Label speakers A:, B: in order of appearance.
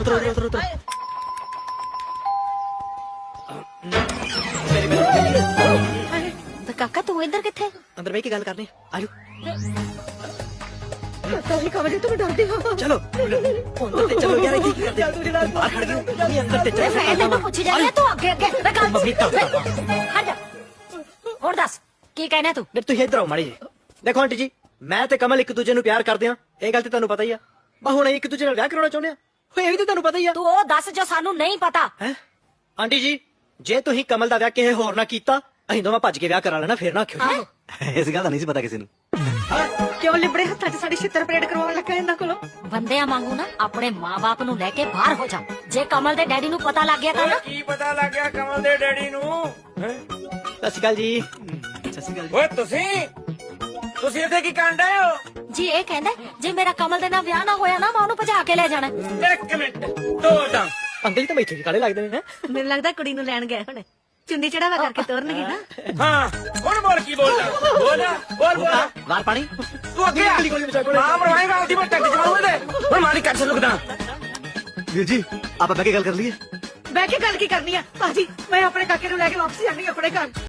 A: ਉਤਰੋ ਉਤਰੋ ਉਤਰੋ
B: ਤੇ ਕਾਕਾ ਤੂੰ ਇੱਧਰ ਕਿੱਥੇ?
A: ਅੰਦਰ ਬਹਿ ਕੇ ਗੱਲ ਕਰਨੀ ਆਜੋ
B: ਤੁਸੀਂ ਕਮਰੇ ਤੋਂ ਡਰਦੇ ਹੋ?
A: ਚਲੋ ਅੰਦਰ ਤੇ ਚਲੋ ਯਾਰ ਇੱਥੇ ਕੀ ਕਰਦੇ ਬਾਹਰ ਖੜ ਗਏ ਨਹੀਂ ਅੰਦਰ ਤੇ
B: ਮੈਂ
A: ਚਲੋ
B: ਤੈਨੂੰ ਪੁੱਛੀ ਜਾਂਦੀ ਆ, ਤੂੰ ਅੱਗੇ ਅੱਗੇ ਮੈਂ ਗੱਲ
A: ਮੰਮੀ ਤਾਂ
B: ਹਟ ਜਾ। ਹੁਣ ਦੱਸ ਕੀ ਕਹਿਣਾ ਤੂੰ?
A: ਤੁਸੀਂ ਇੱਧਰ ਆਓ ਮਾੜੀ ਜੀ ਦੇਖੋ ਆਂਟੀ ਜੀ ਮੈਂ ਤੇ ਕਮਲ ਇੱਕ ਦੂਜੇ ਨੂੰ ਪਿਆਰ ਕਰਦੇ ਆ ਇਹ ਗੱਲ ਤੇ ਤੁਹਾਨੂੰ ਪਤਾ ਹੀ ਆ ਬਾ ਹੁਣ ਇੱਕ ਦੂਜੇ ਨਾਲ ਵਿਆਹ ਕਰਾਉਣਾ ਚਾਹੁੰਦੇ ਆ ਇਹ ਵੀ ਤੇ ਤੁਹਾਨੂੰ ਪਤਾ ਹੀ ਆ
B: ਤੂੰ ਉਹ ਦੱਸ ਜੋ ਸਾਨੂੰ ਨਹੀਂ ਪਤਾ।
A: ਹੈ ਆਂਟੀ ਜੀ ਜੇ ਤੁਸੀਂ ਕਮਲ ਦਾ ਵਿਆਹ ਕਿਸੇ ਹੋਰ ਨਾਲ ਕੀਤਾ ਅਸੀਂ ਦੋਵਾਂ ਭੱਜ ਕੇ ਵਿਆਹ ਕਰਾ ਲੈਣਾ ਫੇਰ ਨਾ ਆਖਿਓ
C: ਇਸ ਗੱਲ ਦਾ ਨਹੀਂ ਸੀ ਪਤਾ ਕਿਸੇ ਨੂੰ
B: ਕਿਉਂ ਲਿਬੜੇ ਹੱਥਾਂ 'ਚ ਸਾਡੀ ਛਿੱਤਰ ਪਰੇਡ ਕਰਵਾਉਣ ਲੱਗਾ ਇਹਨਾਂ ਕੋਲੋਂ? ਬੰਦਿਆਂ ਵਾਂਗੂ ਨਾ ਆਪਣੇ ਮਾਂ-ਬਾਪ ਨੂੰ ਲੈ ਕੇ ਬਾਹਰ ਹੋ ਜਾ। ਜੇ ਕਮਲ ਦੇ ਡੈਡੀ ਨੂੰ ਪਤਾ ਲੱਗ ਗਿਆ ਤਾਂ ਨਾ
D: ਕੀ ਪਤਾ ਲੱਗ ਗਿਆ ਕਮਲ ਦੇ ਡੈਡੀ ਨੂੰ?
A: ਸਤਿ ਸ਼੍ਰੀ ਅਕਾਲ ਜੀ ਸਤਿ ਸ਼੍ਰੀ ਅਕਾਲ ਜੀ
D: ਓਏ ਤੁਸੀਂ ਇੱਥੇ ਕੀ ਕਰਨ ਡਏ ਹੋ?
B: ਜੀ ਇਹ ਕਹਿੰਦਾ ਜੇ ਮੇਰਾ ਕਮਲ ਦੇ ਨਾਲ ਵਿਆਹ ਨਾ ਹੋਇਆ ਨਾ ਮੈਂ ਉਹਨੂੰ ਭਜਾ ਕੇ ਲੈ ਜਾਣਾ।
D: ਇੱਕ ਮਿੰਟ ਦੋ ਤਾਂ
A: ਅੰਕਲ ਜੀ ਤਾਂ ਮੈਥੋਂ ਕੀ ਕਾਲੇ ਲੱਗਦੇ ਨੇ
B: ਮੈਨੂੰ ਲੱਗਦਾ ਕੁੜੀ ਨੂੰ ਲੈਣ ਗਏ ਹੁਣ ਚੁੰਨੀ ਚੜਾਵਾ ਕਰਕੇ ਤੋਰਨਗੇ ਨਾ।
D: ਹਾਂ ਹੁਣ ਬੋਲ ਕੀ ਬੋਲਦਾ ਬੋਲ
A: ਵਾਰ ਪਾਣੀ
D: ਤੂੰ ਅੱਗੇ ਆ ਮਾਂ ਮਰਵਾਏਗਾ ਉਹਦੀ ਮੈਂ ਟੱਕ ਜਮਾਉਂ ਦੇ ਹੁਣ ਮਾਰੀ ਕੱਟ ਲੁਕਦਾ
C: ਵੀਰ ਜੀ ਆਪਾਂ ਬਹਿ ਕੇ ਗੱਲ ਕਰ ਲਈਏ
B: ਬਹਿ ਕੇ ਗੱਲ ਕੀ ਕਰਨੀ ਆ ਭਾਜੀ? ਮੈਂ ਆਪਣੇ ਕਾਕੇ ਨੂੰ ਲੈ ਕੇ ਵਾਪਸ ਜਾਣੀ ਆਪਣੇ ਘਰ।